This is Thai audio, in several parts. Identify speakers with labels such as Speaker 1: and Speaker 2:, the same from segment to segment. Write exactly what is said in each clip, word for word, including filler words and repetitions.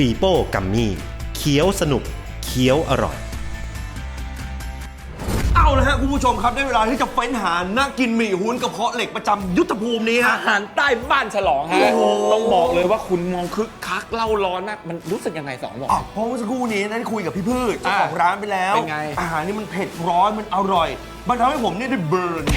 Speaker 1: ปีโป้กัมมี่เคี้ยวสนุกเคี้ยวอร่อย
Speaker 2: เอาละฮะคุณผู้ชมครับได้เวลาที่จะเฟ้นหานักกินหมี่หุ้นกระเพาะเหล็กประจำยุทธภูมินี้ฮะ
Speaker 3: อาหารใต้บ้านฉลองฮะต้องบอกเลยว่าคุณมองคึกคักเล่าร้อนมากมันรู้สึกยังไงสองบอก
Speaker 2: อ๋อเพราะเมื่อสักครู่นี้ได้คุยกับพี่พืชเจ้าของร้านไปแล้ว
Speaker 3: เป็นไง
Speaker 2: อาหารนี่มันเผ็ดร้อนมันอร่อยมันทำให้ผมเนี่ยได้เบิร์น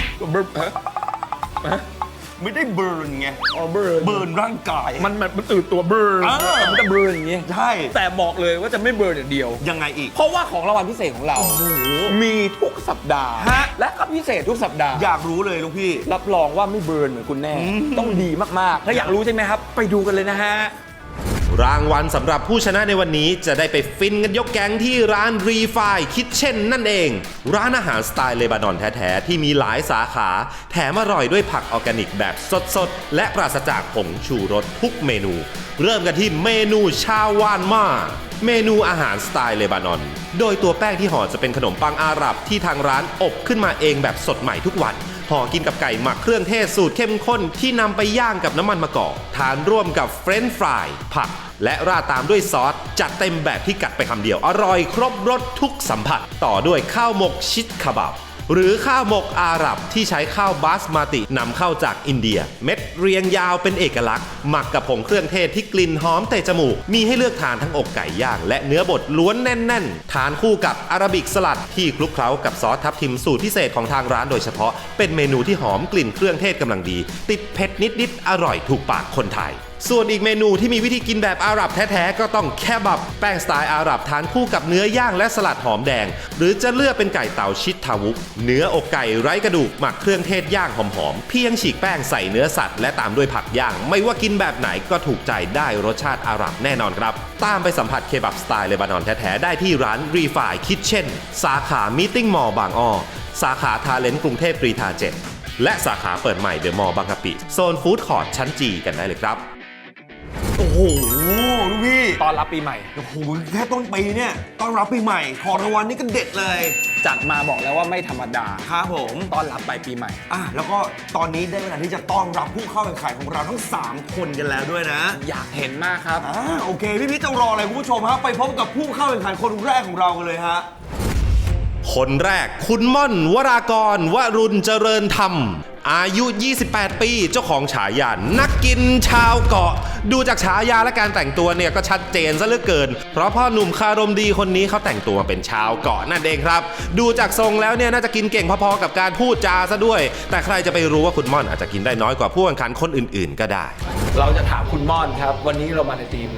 Speaker 2: ไม่ได้เบิร์นไง
Speaker 3: อ๋อเบิร์น
Speaker 2: เบิร์นร่างกาย
Speaker 3: มันมันมันตื่นตัวเบิร์น
Speaker 2: เออ
Speaker 3: มันจะเบิร์นอย่างงี้
Speaker 2: ใช่
Speaker 3: แต่บอกเลยว่าจะไม่เบิร์นอย่างเดียว
Speaker 2: ยังไงอีก
Speaker 3: เพราะว่าของรางวัลพิเศษของเรามีทุกสัปดาห์
Speaker 2: ฮะ
Speaker 3: และก็พิเศษทุกสัปดาห์
Speaker 2: อยากรู้เลยลูกพี่
Speaker 3: รับรองว่าไม่เบิร์นเหมือนคุณแน่
Speaker 2: อืม
Speaker 3: ต้องดีมากๆถ้าอยากรู้ใช่ไหมครับ ไปดูกันเลยนะฮะ
Speaker 1: รางวัลสำหรับผู้ชนะในวันนี้จะได้ไปฟินกันยกแก๊งที่ร้านรีไฟคิทเช่นนั่นเอง ร้านอาหารสไตล์เลบานอนแท้ๆที่มีหลายสาขา แถมอร่อยด้วยผักออร์แกนิกแบบสดๆ และปราศจากผงชูรสทุกเมนู เริ่มกันที่เมนูชาวานมาเมนูอาหารสไตล์เลบานอน โดยตัวแป้งที่ห่อจะเป็นขนมปังอาหรับที่ทางร้านอบขึ้นมาเองแบบสดใหม่ทุกวันห่อกินกับไก่หมักเครื่องเทศสูตรเข้มข้นที่นำไปย่างกับน้ำมันมะกอกทานร่วมกับเฟรนช์ฟรายผักและราดตามด้วยซอสจัดเต็มแบบที่กัดไปคำเดียวอร่อยครบรสทุกสัมผัสต่อด้วยข้าวหมกชิดคาบับหรือข้าวหมกอาหรับที่ใช้ข้าวบาสมาตินำเข้าจากอินเดียเม็ดเรียงยาวเป็นเอกลักษณ์หมักกับผงเครื่องเทศที่กลิ่นหอมเตะจมูกมีให้เลือกทานทั้งอกไก่ย่างและเนื้อบดล้วนแน่นๆทานคู่กับอาราบิกสลัดที่คลุกเคล้ากับซอสทับทิมสูตรพิเศษของทางร้านโดยเฉพาะเป็นเมนูที่หอมกลิ่นเครื่องเทศกำลังดีติดเผ็ดนิดๆอร่อยถูกปากคนไทยส่วนอีกเมนูที่มีวิธีกินแบบอาหรับแท้ๆก็ต้องแคบับแป้งสไตล์อาหรับทานคู่กับเนื้อย่างและสลัดหอมแดงหรือจะเลือกเป็นไก่เต่าชิดทาวุกเนื้ออกไก่ไร้กระดูกหมักเครื่องเทศย่างหอมๆเพียงฉีกแป้งใส่เนื้อสัตว์และตามด้วยผักย่างไม่ว่ากินแบบไหนก็ถูกใจได้รสชาติอาหรับแน่นอนครับตามไปสัมผัสเคบับสไตล์เลบานอนแท้ๆได้ที่ร้านรีไฟคิทเช่นสาขามีติ้งมอลล์บางอ้อสาขาทาเลนต์กรุงเทพกรีฑาเจ็ดและสาขาเปิดใหม่เดอะมอลล์บางกะปิโซนฟู้ดคอร์ทชั้นจีกันได้เลยครับ
Speaker 2: โอ้โหลูกพี่
Speaker 3: ตอนรับปีใหม่
Speaker 2: โอ้โหแค่ต้นปีเนี่ยต้อนรับปีใหม่ของรางวัลนี่ก็เด็ดเลย
Speaker 3: จัดมาบอกแล้วว่าไม่ธรรมดา
Speaker 2: ครับผม
Speaker 3: ต้อนรับปลายปีใหม่
Speaker 2: อ่ะแล้วก็ตอนนี้ได้เวลาที่จะต้อนรับผู้เข้าแข่งขันของเราทั้งสามคนกันแล้วด้วยนะ
Speaker 3: อยากเห็นมากครับ
Speaker 2: อ่าโอเคพี่พี่จะรออะไรคุณผู้ชมฮะไปพบกับผู้เข้าแข่งขันคนแรกของเรากันเลยฮะ
Speaker 1: คนแรกคุณม่อนวรากรวรุณเจริญธรรมอายุยี่สิบแปดปีเจ้าของฉายานักกินชาวเกาะดูจากฉายาและการแต่งตัวเนี่ยก็ชัดเจนซะเหลือเกินเพราะพ่อหนุ่มคารมดีคนนี้เขาแต่งตัวเป็นชาวเกาะนั่นเองครับดูจากทรงแล้วเนี่ยน่าจะกินเก่งพอๆกับการพูดจาซะด้วยแต่ใครจะไปรู้ว่าคุณม่อนอาจจะกินได้น้อยกว่าผู้แข่งขันคนอื่นๆก็ได้
Speaker 3: เราจะถามคุณม่อนครับวันนี้เรามาในทีม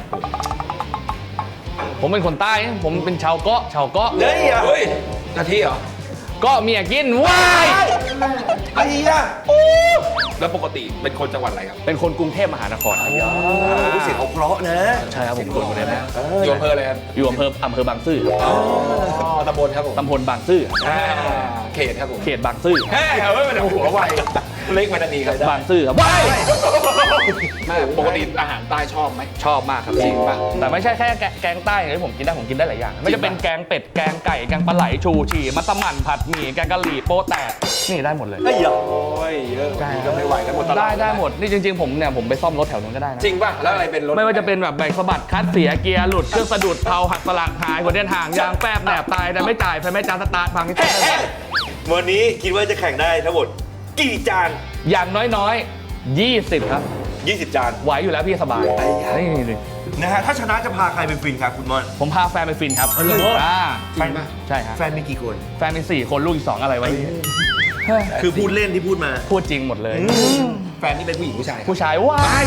Speaker 3: ผมเป็นคนใต้ผมเป็นชาวเกาะชาวเกาะ
Speaker 2: เฮ้ย
Speaker 3: เฮ้ยนาทีเหรอก็เมียกินว้าย
Speaker 2: ไอ้ยะ
Speaker 3: แล้วปกติเป็นคนจังหวัดอะไรครับเป็นคนกรุงเทพมหานครครับ
Speaker 2: เสียงเขาเพราะนะ
Speaker 3: ใช่ครับผมคนกรุงเทพนะอยู่อำเภออะไรครับอยู่อำเภออำเภอบางซื่ออ๋อตำบลครับผมตำบลบางซื่อเขตครับผมเขตบางซื่อเฮ้ยเฮ้ยมันหัวไวเล็กมันดีครับบางซื่อครับว้ายปกติอาหารใต้ชอบไหมชอบมากครับจริงป่ะแต่ไม่ใช่แค่แกงใต้ที่ผมกินได้ผมกินได้หลายอย่างไม่จะเป็นแกงเป็ดแกงไก่แกงปลาไหลชูชีมัสมั่นผัดหมี่แกงกะหรี่โป๊แตกนี่ได้หมดเลย
Speaker 2: ไอ้ยะ
Speaker 3: โอ้ยเยอะก็ไม่ไหวกันหมดตลอดได้ได้หมดนี่จริงๆผมเนี่ยผมไปซ่อมรถแถวนู้นก็ได้นะจริงป่ะแล้วอะไรเป็นรถไม่ว่าจะเป็นแบบแบรกสะบัดคัดเสียเกียร์หลุดเครื่องสะดุดเผาหักสลักหายหัวเดียนห่างยางแป๊บแหนบตายแต่ไม่จ่ายไฟไม่จานสตาร์ทพังที่แท้
Speaker 2: วันนี้คิดว่าจะแข่งได้ทั้งหมดกี่จาน
Speaker 3: อย่างน้อยๆยี่สิบครับ
Speaker 2: ยี่สิบจาน
Speaker 3: ไหวอยู่แล้วพี่สบายนี่
Speaker 2: นะฮะถ้าชนะจะพาใครไปฟินครับคุณม่อน
Speaker 3: ผมพาแฟนไปฟินครับอ่าจริงป่ะใช่ครับ
Speaker 2: แฟนมีกี่คน
Speaker 3: แฟนมีสี่คนลูกอีกสองอะไรวะ
Speaker 2: คือพูดเล่นที่พูดมา
Speaker 3: พูดจริงหมดเลย
Speaker 2: แฟนนี่เป็นผู้หญิงผู้ชาย
Speaker 3: ผู้ชายว้าย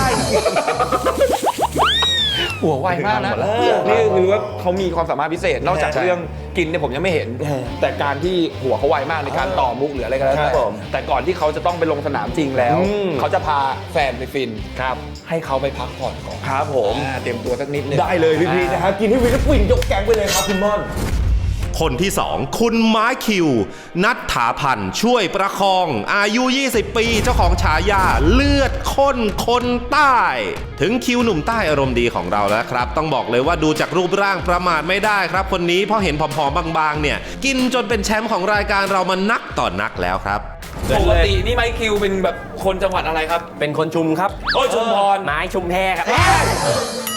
Speaker 3: หัวไวมากนะ
Speaker 4: นี่คือว่าเขามีความสามารถพิเศษนอกจากเรื่องกินเนี่ยผมยังไม่เห็นแต่การที่หัวเขาไวมากในการต่อมุกหรืออะไรก็แล้วแต่แต่ก่อนที่เขาจะต้องไปลงสนามจริงแล้วเขาจะพาแฟนไปฟินครับให้เขาไปพักผ่อนก่อน
Speaker 2: ครับผม
Speaker 4: เตรียมตัวสักนิดนึง
Speaker 2: ได้เลยพี่พีนะฮะกินให้วิลฟินยกแกงไปเลยครับคุณม่อน
Speaker 1: คนที่สองคุณไม้คิวนัทถาพันธ์ช่วยประคองอายุยี่สิบปีเจ้าของฉายาเลือดข้นคนใต้ถึงคิวหนุ่มใต้อารมณ์ดีของเราแล้วครับต้องบอกเลยว่าดูจากรูปร่างประมาทไม่ได้ครับคนนี้เพราะเห็นผอมๆบางๆเนี่ยกินจนเป็นแชมป์ของรายการเรามานักต่อนักแล้วครับ
Speaker 4: ปกตินี่ไมค์คิวเป็นแบบคนจังหวัดอะไรครับ
Speaker 5: เป็นคนชุมครับ
Speaker 4: โอ้ยชุมพร
Speaker 5: ไม้ชุมแพครับ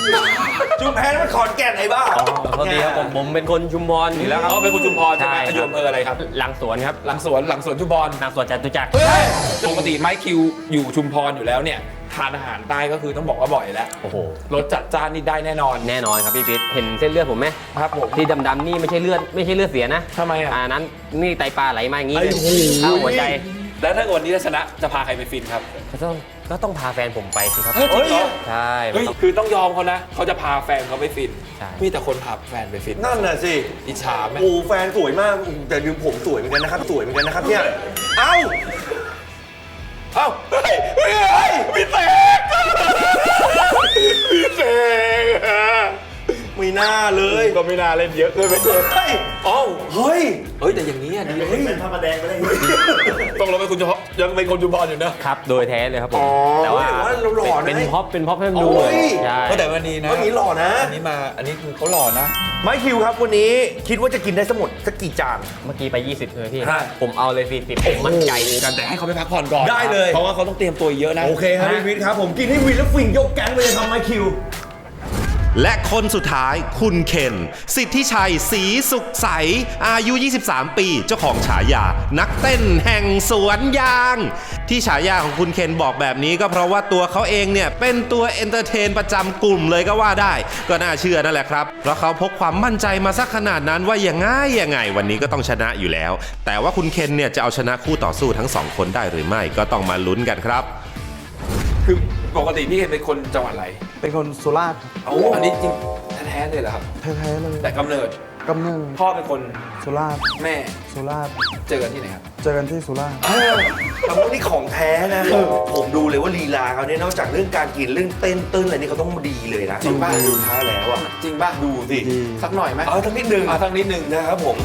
Speaker 2: ชุมแพมันขอนแก่นไอ้บ้า
Speaker 5: อ๋อโทษทีครับผมผมเป็นคนชุมพรอยู่แล้วครับ
Speaker 4: เขาเป็นคนชุมพรใช่ไหม
Speaker 5: ใช่
Speaker 4: อยู่อำเภออะไรครับ
Speaker 5: หลังสวนครับ
Speaker 4: หลังสวนหลังสวนชุมพร
Speaker 5: หลังสวนจตุจักร
Speaker 4: เฮ้ยปกติไมค์คิวอยู่ชุมพรอยู่แล้วเนี่ยทานอาหารใต้ก็คือต้องบอกว่าบ่อยแล้ว
Speaker 5: โอ้โห
Speaker 4: รสจัดจ้านนี่ได้แน่นอน
Speaker 5: แน่นอนครับพี่พิษเห็นเส้นเลือดผมไหม
Speaker 4: ครับผม
Speaker 5: ที่ดำๆนี่ไม่ใช่เลือดไม่ใช่เลือดเสียนะ
Speaker 4: ทำไมอ่ะ
Speaker 5: อันนั้นนี่ไตปลาไหลมาอย่างนี้
Speaker 2: ไอ้โห
Speaker 5: เข้าหัวใจ
Speaker 4: แล้วถ้าเกิดวันนี้ชนะจะพาใครไปฟินครับ
Speaker 5: ก็ต้องก็ต้องพาแฟนผมไปสิครับ
Speaker 4: เฮ้ยจริงเหรอ
Speaker 5: ใช่
Speaker 4: เฮ้ยคือต้องยอมเขานะเขาจะพาแฟนเขาไปฟิน
Speaker 5: ใช่
Speaker 4: มีแต่คนพาแฟนไปฟิน
Speaker 2: นั่นน่ะสิ
Speaker 4: อิจฉาไหม
Speaker 2: โอ้แฟนสวยมากแต่ดูผมสวยเหมือนกันนะครับสวยเหมือนกันนะครับเนี่ยเอ้าเอ้าเฮ้ยเฮ้ยเฮ้ยพี่เสกพี่เสกไม่น่าเลย
Speaker 4: ก็ไม่น่าเล่นเยอะเลยไปเลย
Speaker 2: เฮ้ย
Speaker 4: อ้าว
Speaker 2: เฮ้ย
Speaker 4: เฮ้ยแต่อย่างนี้อ่ะดี
Speaker 2: เฮ้ยเป็นพระประแดงไปได้
Speaker 4: ต้องเราเป็นคนเฉพาะยังเป็นคนชุมพรอยู่นะ
Speaker 5: ครับโดยแท้เลยครับผม
Speaker 2: อ๋อ
Speaker 5: แต่ว่า
Speaker 2: แต่ว่าเราหล่อนะ
Speaker 5: เป็นพ็อปเป็นพ็อปให้มันดู
Speaker 2: โอ้ย
Speaker 5: ใช่
Speaker 4: ก็แต่วันนี้นะ
Speaker 2: วันนี้หล่อนะ
Speaker 4: อันนี้มาอันนี้คือเขาหล่อนะ
Speaker 2: ไมค์คิวครับวันนี้คิดว่าจะกินได้สมุดสักกี่จาน
Speaker 5: เมื่อกี้ไป ยี่สิบเลยพี่
Speaker 2: ใช่
Speaker 5: ผมเอาเลยสี่สิบผมมั่นใจ
Speaker 4: กันแต่ให้เขาไปพักผ่อนก่อน
Speaker 2: ได้เลย
Speaker 4: เพราะว่าเขาต้องเตรียมตัวเยอะนะ
Speaker 2: โอเคครับพี่วิทย์ครับผมกินให้วินแล้วฟินยกแก๊งไปเลยครับไมค์คิว
Speaker 1: และคนสุดท้ายคุณเคนสิทธิชัยศรีสุขใสอายุ ยี่สิบสาม ปีเจ้าของฉายา นักเต้นแห่งสวนยาง ที่ฉายาของคุณเคนบอกแบบนี้ก็เพราะว่าตัวเขาเองเนี่ยเป็นตัวเอนเตอร์เทนประจำกลุ่มเลยก็ว่าได้ ก็น่าเชื่อนั่นแหละครับ เพราะเขาพกความมั่นใจมาสักขนาดนั้นว่าอย่างง่ายยังไงวันนี้ก็ต้องชนะอยู่แล้ว แต่ว่าคุณเคนเนี่ยจะเอาชนะคู่ต่อสู้ทั้งสองคนได้หรือไม่ก็ต้องมาลุ้นกันครับ
Speaker 4: คือปกติพี่เคนเป็นคนจังหวัดอะไร
Speaker 6: เป็นคนสุราษฎร์
Speaker 4: โอ้อันนี้จริงแท้ๆเลยเหรอครับ
Speaker 6: แท้ๆเลย
Speaker 4: แต่กำเนิด
Speaker 6: กำเนิด
Speaker 4: พ่อเป็นคน
Speaker 6: สุราษฎร์
Speaker 4: แม่
Speaker 6: สุราษฎร์
Speaker 4: เจอกันที่ไหนครับ
Speaker 6: เจอกันที่สุราษฎร์
Speaker 2: คำว่านี่ของแท้นะ ผมดูเลยว่าลีลาเขาเนี่ยนอกจากเรื่องการกินเรื่องเต้นเต้นอะไรนี่เขาต้องดีเลยนะ
Speaker 4: จริงป่ะ
Speaker 2: ดูท้าแล้วอ่ะ
Speaker 4: จริงป่ะ
Speaker 2: ดูสิ
Speaker 4: สักหน่อยไหม
Speaker 2: เอาทั้งนิดนึง
Speaker 4: เอาสักนิดนึง
Speaker 2: นะครับผม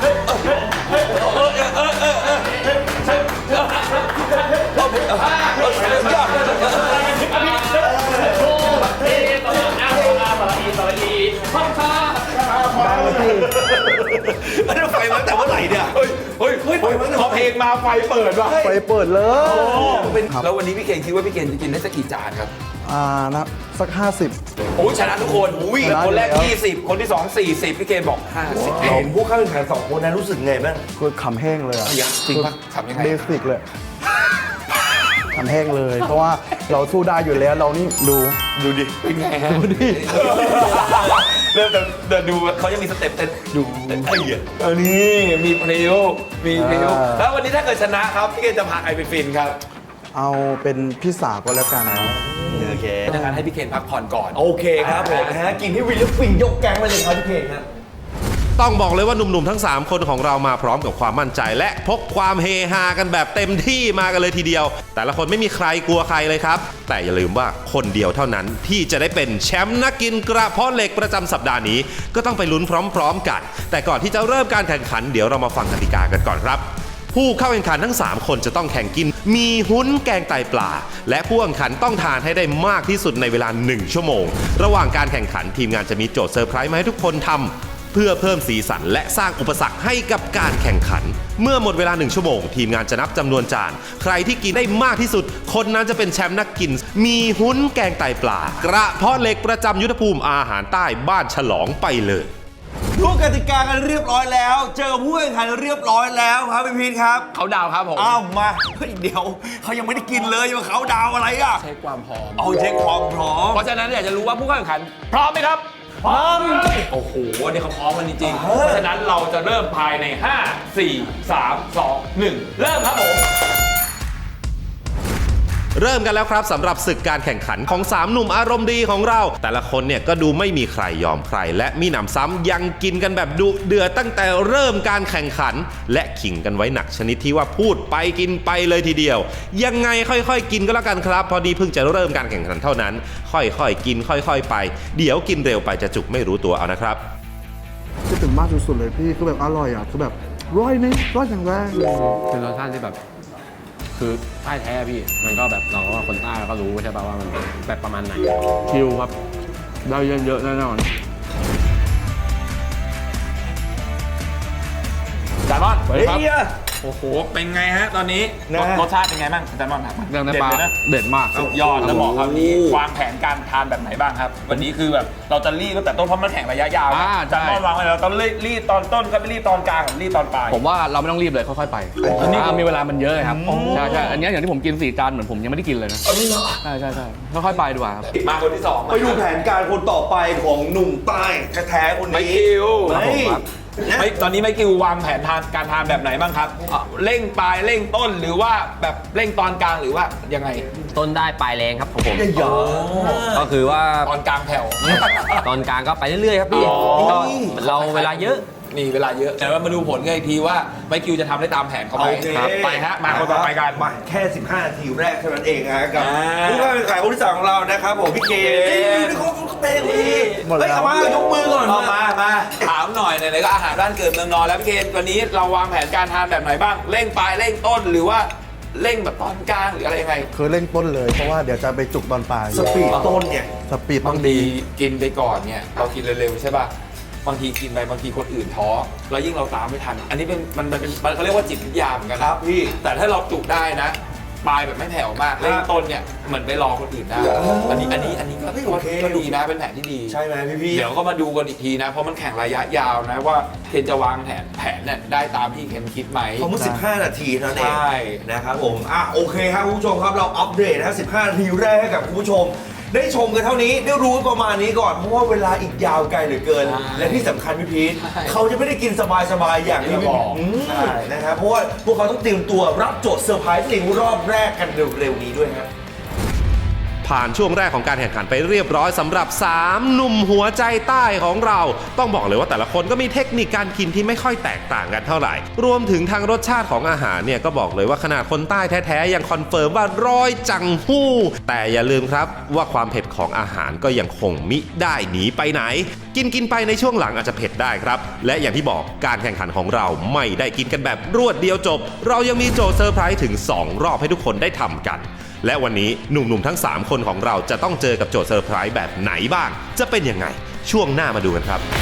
Speaker 2: อันนี้ไฟมาตั้งแต่เมื่อไหร่เนี่ย
Speaker 4: เฮ้ยเฮ้ยเฮ้ยพอเพลงมาไฟเปิดว่ะ
Speaker 6: ไปเปิดเลย
Speaker 4: เป็นแล้ววันนี้พี่เคนคิดว่าพี่เคนจะกินได้สักกี่จานครับ
Speaker 6: อ่านะสักห้าสิบ
Speaker 4: โอ้ยชนะทุกคนอุ้ย
Speaker 6: ชนะอยู่
Speaker 4: คนแรก
Speaker 6: แล้ว
Speaker 4: ยี่สิบคนที่สองสี่สิบพี่เคนบอกห้าสิบ
Speaker 2: เห็นผู้เข้าแข่งขันสองคนนะรู้สึกไงบ้าง
Speaker 6: คือขำแห้งเลยอะ
Speaker 4: จริงป่ะทำยังไง
Speaker 6: เบสิกเลยขำแห้งเลย เพราะว่าเราสู้ได้อยู่แล้วเรานี่ดู
Speaker 2: ดูดิ
Speaker 4: เป็นไงฮะดูดิเริ่มเดินดูเขายังมีสเต็ปเต้นดูไอ้เหี้ยเออนี่มีเพลวมีเพลว
Speaker 6: อ่า
Speaker 4: แล้ววันนี้ถ้าเกิดชนะครับพี่เคนจะพาใครไปฟินครับ
Speaker 6: เอาเป็นพี่สาวก็แล้วกัน
Speaker 2: โอเค
Speaker 4: ดังนั้นให้พี่เคนพักผ่อนก่อน
Speaker 2: โอเคครับผมนะฮะกินให้วินแล้วฟินยกแก๊งไปเลยครับพี่เคนครับ
Speaker 1: ต้องบอกเลยว่าหนุ่มๆทั้งสามคนของเรามาพร้อมกับความมั่นใจ และพกความเฮฮากันแบบเต็มที่มากันเลยทีเดียว แต่ละคนไม่มีใครกลัวใครเลยครับ แต่อย่าลืมว่าคนเดียวเท่านั้นที่จะได้เป็นแชมป์นักกินกระเพาะเหล็กประจำสัปดาห์นี้ก็ต้องไปลุ้นพร้อมๆกัน แต่ก่อนที่จะเริ่มการแข่งขันเดี๋ยวเรามาฟังกติกากันก่อนครับ ผู้เข้าแข่งขันทั้งสามคนจะต้องแข่งกินมีหุ้นแกงไตปลา และผู้แข่งขันต้องทานให้ได้มากที่สุดในเวลาหนึ่งชั่วโมง ระหว่างการแข่งขันทีมงานจะมีโจทย์เซอร์ไพรส์มาให้ทุกคนทำเพื่อเพิ่มสีสันและสร้างอุปสรรคให้กับการแข่งขัน เมื่อหมดเวลาหนึ่งชั่วโมง ทีมงานจะนับจำนวนจาน ใครที่กินได้มากที่สุด คนนั้นจะเป็นแชมป์นักกิน มีหุ้นแกงไตปลากระเพาะเหล็กประจำยุทธภูมิอาหารใต้บ้านฉลองไปเลย
Speaker 2: รู้กติกากันเรียบร้อยแล้ว เจอผู้แข่งขันเรียบร้อยแล้วครับพี่พีทครับ
Speaker 4: เขาดาวครับผม
Speaker 2: อ้าวมาเฮ้ยเดี๋ยวเขายังไม่ได้กินเลยมาเขาดาวอะไรอ่ะ
Speaker 4: เช็คความพร้อม
Speaker 2: เอาเช็คความพร้อม
Speaker 4: เพราะฉะนั้นอยากจะรู้ว่าผู้เข้าแข่งขันพร้อมไหมครับ พร้อม โอ้โหวันนี้เขาพร้อมกันจริงๆ เพราะฉะนั้นเราจะเริ่มภายใน ห้า สี่ สาม สอง หนึ่ง เริ่มครับผม
Speaker 1: เริ่มกันแล้วครับสำหรับศึกการแข่งขันของสามหนุ่มอารมณ์ดีของเรา แต่ละคนเนี่ยก็ดูไม่มีใครยอมใคร และมีหนำซ้ำยังกินกันแบบดุเดือดตั้งแต่เริ่มการแข่งขัน และขิงกันไว้หนักชนิดที่ว่าพูดไปกินไปเลยทีเดียว ยังไงค่อยๆกินก็แล้วกันครับพอดีเพิ่งจะเริ่มการแข่งขันเท่านั้น ค่อยๆกินค่อยๆไป เดี๋ยวกินเร็วไปจะจุกไม่รู้ตัวเอานะครับ
Speaker 6: คิดถึงมากสุดๆเลยพี่คือแบบอร่อยอ่ะคือแบบร้อยนี่ร้อยอย่างแรกเลย
Speaker 5: คือรสชาติที่แบบคือใต้แท้พี่มันก็แบบเราก็คนใต้เราก็รู้ใช่ป่ะว่ามันแบบประมาณไหนคิวครับได้เยอะๆแน่นอน
Speaker 4: จานบอน
Speaker 2: เฮ้ย
Speaker 4: โอ้โห เป็นไงฮะตอนนี้
Speaker 2: นะ
Speaker 4: รสรสชาติเป็นไงบ้างอาจารย์มอนครับ
Speaker 5: เรื่อง
Speaker 4: เด็
Speaker 5: น้ำปลา
Speaker 4: ดเลยนะ
Speaker 5: เด็ดมาก
Speaker 4: สุดยอดแล้วบอกครับนี้วางแผนการทานแบบไหนบ้างครับ วันนี้คือแบบเราจะรีบตั้งแต่ต้นเพราะมันแข่งระยะยาว
Speaker 5: อ่า
Speaker 4: อาจารย์มอน
Speaker 5: ใช่
Speaker 4: วางไว้แล้วเราต้องรีบตอนต้นก็ไปรีบตอนกลางกับรีบตอนปลาย
Speaker 5: ผมว่าเราไม่ต้องรีบเลยค่อยๆไปอันนี้มีเวลามันเยอะครับใช่ใช่อันนี้อย่างที่ผมกินสี่จานเหมือนผมยังไม่ได้กินเลยนะใช่ใช่ใช่ค่อยๆไปดีกว่าครับ
Speaker 4: มาคนที่สอง
Speaker 2: ไปดูแผนการคนต่อไปของหนุ่มใต้แท้ๆคน
Speaker 4: ไม
Speaker 2: นี้
Speaker 4: คิว
Speaker 2: เฮ้ย
Speaker 4: ไม่ตอนนี้ไมคิววางแผนทานการทานแบบไหนบ้างครับอ่ะเร่งปลายเร่งต้นหรือว่าแบบเร่งตอนกลางหรือว่ายังไง
Speaker 7: ต้นได้ปลายแรงครับของผม
Speaker 2: อย่า
Speaker 7: ก็คือว่า
Speaker 4: ตอนกลางแผ่ว
Speaker 7: ตอนกลางก็ไปเรื่อยๆครับพี่
Speaker 4: อ๋อ
Speaker 7: ก็เราเวลาเยอะ
Speaker 4: นี่เวลาเยอะแต่ว่ามาดูผลกันอีกทีว่าไมคิวจะทำได้ตามแผนเขาไหม
Speaker 2: โอเค
Speaker 4: ครับไปฮะมาคนต่อไปกัน
Speaker 2: มาแค่ สิบห้า นาทีแรกเท่านั้นเองฮะกับ
Speaker 4: อ่า
Speaker 2: ผู้เข้าแข่งขันคนที่สามของเรานะครับผมพี่เกดเฮ้ยนี่เขาเขาเตะดี
Speaker 6: หมดแล้ว
Speaker 2: เฮ้ยเอามายกมือก่อน
Speaker 4: เอามา มา ถามหน่อยไหนๆก็อาหารบ้านเกิดเมืองนอนแล้วพี่เคนวันนี้เราวางแผนการทานแบบไหนบ้าง เร่งปลายเร่งต้นหรือว่าเร่งแบบตอนกลางหรืออะไรยังไง
Speaker 6: คือเร่งต้นเลยเพราะว่าเดี๋ยวจะไปจุกตอนปลาย
Speaker 2: สปีดต้นเนี่ย
Speaker 6: สปีดต้
Speaker 4: บา
Speaker 6: อง ง
Speaker 4: ที
Speaker 6: ดี
Speaker 4: กินไปก่อนเนี่ยเรากินเร็วๆใช่ป่ะบางทีกินไปบางทีคนอื่นท้อแล้วยิ่งเราตามไม่ทัน อันนี้เป็นมันมันเป็นมันเขาเรียกว่าจิตวิทยาเหมือนกันนะครับ
Speaker 2: พี่
Speaker 4: แต่ถ้าเราจุกได้นะปลายแบบไม่แผ่วมากเร่งต้นเนี่ยเหมือนไปรอคนอื่นได้อันนี้อันนี้อันนี้ก็
Speaker 2: เฮ้ยโอเค
Speaker 4: ก็ดีนะเป็นแผนที่ดี
Speaker 2: ใช่ไหมพี่พี่
Speaker 4: เดี๋ยวก็มาดูกันอีกทีนะ เพราะมันแข่งระยะยาวนะว่าเคนจะวางแผนแผนเนี่ยได้ตามที่เคนคิดไหม
Speaker 2: เขาเมื่อสิบห้า นาทีเท่านั้นเอง
Speaker 4: ใช่
Speaker 2: นะครับผมอ่ะโอเคครับคุณผู้ชมครับเราอัปเดตนะสิบห้า นาทีแรกให้กับคุณผู้ชม ได้ชมกันเท่านี้ได้รู้ประมาณนี้ก่อนเพราะว่าเวลาอีกยาวไกลเหลือเกิน และที่สำคัญพี่พีทเขาจะไม่ได้กินสบายๆอย่างที่พี่บอกอืมนะครับเพราะว่าพวกเขาต้องเตรียมตัวรับโจทย์เซอร์ไพรส์ในรอบแรกกันเร็วๆนี้ด้วยครับ
Speaker 1: ผ่านช่วงแรกของการแข่งขันไปเรียบร้อยสำหรับสามหนุ่มหัวใจใต้ของเรา ต้องบอกเลยว่าแต่ละคนก็มีเทคนิคการกินที่ไม่ค่อยแตกต่างกันเท่าไหร่ รวมถึงทางรสชาติของอาหารเนี่ยก็บอกเลยว่าขนาดคนใต้แท้ๆยังคอนเฟิร์มว่าร้อยจังหู้แต่อย่าลืมครับว่าความเผ็ดของอาหารก็ยังคงมิได้หนีไปไหน กินกินไปในช่วงหลังอาจจะเผ็ดได้ครับและอย่างที่บอกการแข่งขันของเราไม่ได้กินกันแบบรวดเดียวจบ เรายังมีโจทย์เซอร์ไพรส์ถึงสองรอบให้ทุกคนได้ทำกันและวันนี้หนุ่มๆทั้งสามคนของเราจะต้องเจอกับโจทย์เซอร์ไพรส์แบบไหนบ้าง จะเป็นยังไง ช่วงหน้ามาดูกันครับ